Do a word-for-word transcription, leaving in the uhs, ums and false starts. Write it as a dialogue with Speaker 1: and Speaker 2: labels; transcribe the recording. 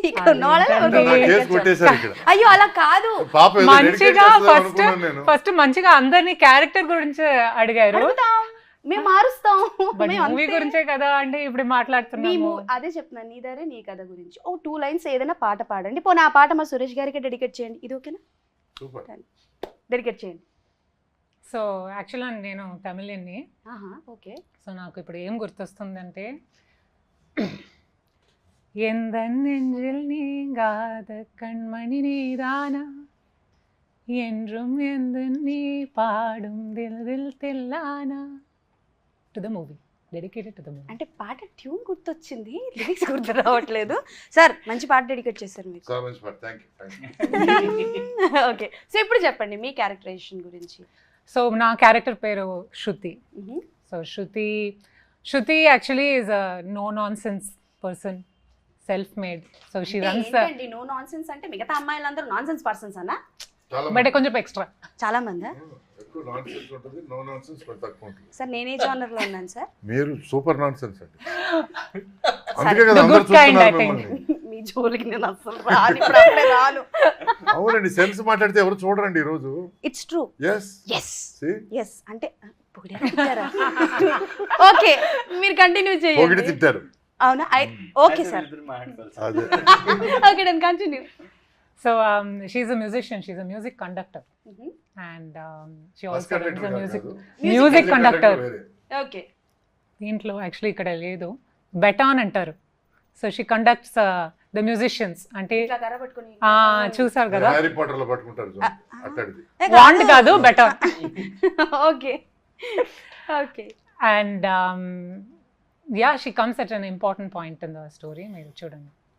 Speaker 1: ఇక్కడ ఉన్న వాళ్ళని ఎవరినో
Speaker 2: నా కేసు
Speaker 1: ఎడికేట్
Speaker 2: కొట్టేశారు
Speaker 1: చేయాలి.
Speaker 2: ఇక్కడ.
Speaker 1: అయ్యో అలా కాదు,
Speaker 2: పాప ఏదో dedicate
Speaker 3: మంచిగా
Speaker 2: చేస్తుందేమో
Speaker 3: ఫస్ట్
Speaker 2: అనుకున్నాను నేను.
Speaker 3: ఫస్ట్ మంచిగా అందరినీ క్యారెక్టర్ గురించి అడిగారు,
Speaker 1: అడుగుతాం, మేము మారుస్తాం,
Speaker 3: బట్
Speaker 1: మేము
Speaker 3: మూవీ
Speaker 1: అంతే.
Speaker 3: గురించే కదా అంటే ఇప్పుడు
Speaker 1: మేము
Speaker 3: మాట్లాడుతున్నాము.
Speaker 1: అదే చెప్తున్నాను, నీ దారే నీ కథ గురించి ఓ టూ లైన్స్ ఏదైనా పాట పాడండి, పోనీ ఆ పాట మా సురేష్ గారికి డెడికేట్ చేయండి, ఇది ఓకేనా?
Speaker 2: సూపర్.
Speaker 1: డెడికేట్ చేయండి.
Speaker 3: సో యాక్చువల్గా నేను తమిళని,
Speaker 1: ఆహా ఓకే.
Speaker 3: సో నాకు ఇప్పుడు ఏం గుర్తొస్తుందంటే எந்தன் நெஞ்சில் நீங்காத கண்மணி நீதானா என்றும் எந்த நீ பாடும் దిల్ దిల్ తెల్లానా to the movie, dedicated to the movie.
Speaker 1: అంటే పాట ట్యూన్ గుర్తొచ్చింది, లిరిక్స్ గుర్తు రావట్లేదు. సార్ మంచి పాట డెడికేట్ చేశారు మీకు.
Speaker 2: చాలా మంచి పాట, thank you thank you.
Speaker 1: Okay, so ఇప్పుడు చెప్పండి మీ క్యారెక్టరైజేషన్ గురించి.
Speaker 3: సో నా క్యారెక్టర్ పేరు Shruti. So Shruti Shruti actually is a no nonsense person, self made. So she runs,
Speaker 1: no nonsense అంటే మిగతా అమ్మాయిలందరూ నాన్ సెన్స్ పర్సన్స్ అన్నా?
Speaker 2: చాలా
Speaker 3: బట్ కొంచెం ఎక్స్ట్రా.
Speaker 1: చాలా మంది.
Speaker 2: ఎక్కువ నాన్ సెన్స్ ఉంటుంది, నో నాన్ సెన్స్ కొంచెం తక్కువ ఉంటుంది.
Speaker 1: సార్ నేనే జానర్ లో ఉన్నాను సార్.
Speaker 2: మీరు సూపర్ నాన్ సెన్స్ అండి, అందుకే కదా
Speaker 3: The
Speaker 2: అందరూ
Speaker 3: good kind,
Speaker 2: చూస్తున్నారు
Speaker 3: I think.
Speaker 2: మిమ్మల్ని.
Speaker 1: మీ జోలికి నేను అసలు రాను, ఇప్పుడు అప్పుడే రాను.
Speaker 2: అవునండి, సెన్స్ మాట్లాడితే ఎవరు చూడరండి ఈ రోజు.
Speaker 1: It's true.
Speaker 2: Yes
Speaker 1: yes
Speaker 2: See?
Speaker 1: Yes అంటే ఓకే, మీరు కంటిన్యూ
Speaker 2: పొగిడి
Speaker 1: చేయండి.
Speaker 2: తిట్టారు.
Speaker 1: అవునా? ఓకే సార్,
Speaker 2: అదే
Speaker 1: okay done, continue.
Speaker 3: So she a musician, she a music conductor and she
Speaker 2: bus
Speaker 3: also runs
Speaker 2: conductor
Speaker 3: a
Speaker 2: కాదు.
Speaker 3: Music
Speaker 1: Music
Speaker 3: music conductor.
Speaker 2: వేరే.
Speaker 1: Okay,
Speaker 3: దీంట్లో యాక్చువల్లీ ఇక్కడ లేదు, బెటాన్ అంటారు. So she conducts the musicians, అంటే
Speaker 1: ఇట్లా కర్ర పట్టుకొని
Speaker 3: ఆ, చూసారు కదా,
Speaker 2: హ్యారీ పాటర్ లో పట్టుకుంటారు చూడండి, అట్టడిది.
Speaker 3: వాండ్ కాదు baton.
Speaker 1: Okay okay.
Speaker 3: And yeah, she comes at an important point in the story, మీరు చూడండి.